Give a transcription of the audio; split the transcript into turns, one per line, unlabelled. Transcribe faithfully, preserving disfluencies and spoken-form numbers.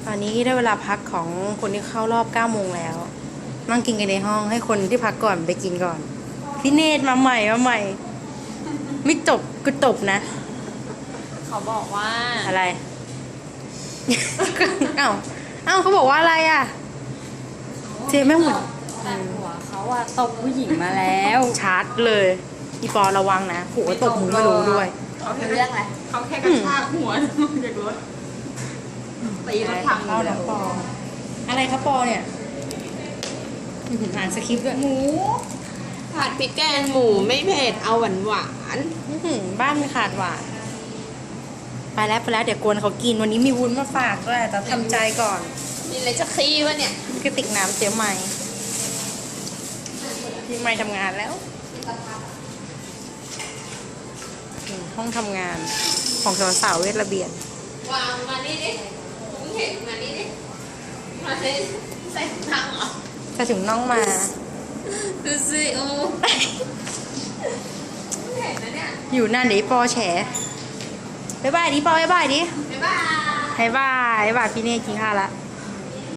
ตอนนี้ได้เวลาพักของคนที่เข้ารอบเก้าโมงแล้วนั่งกินกันในห้องให้คนที่พักก่อนไปกินก่อนพี่เนตรมาใหม่มาใหม่ ไม่จบก็จบนะ
เขาบอกว่า
อะไร เอ้าเอ้าเขาบอกว่าอะไรอ่ะเจ๊แม่งเหมือน
แต่หัวเขาอะตกผู้หญิงมาแล้ว
ชาร์จเลยอีปอระวังนะหัวตกมึงไม่รู้ด้วย
เขาเป็นเรื่องอะไร
เขาแค่กระชากหัวลงจากรถตีรถพังอ
เข้า
ยู่แล้
น้
ว
ปออะไรครับปอเนี่ยอื้อหืออ่านสคริปต์ด้วย
หมูผัดพริกแกงหมูไม่เผ็ดเอาหวานหวาน
อื้อหือบ้านไม่ขาดหวานไปแล้วไปแล้วเดี๋ยวกวนเขากินวันนี้มีวุ้นมาฝากด้วยแต่ทำใจก่อน
มีอะไรจะขี้วะเนี่ย
กระติกน้ำเจ๊ใหม่พี่ใหม่ทำงานแล้วอืมห้องทำงานของสาวๆเวทระเบียน
วางมานี่ดิมึงเห็นมานี่ดิมาใส่ใส่ถังเหรอ
จะถึงน้องมา
ดูสิโอ้มึงเห็นนะเนี่ย
อยู่นั่นเดี๋ยวปอแฉบ๊ายบายดิปอบ๊ายบายดิ
บ๊ายบาย
บ๊ายบายบ๊ายบายพี่เน่กินข้าวละ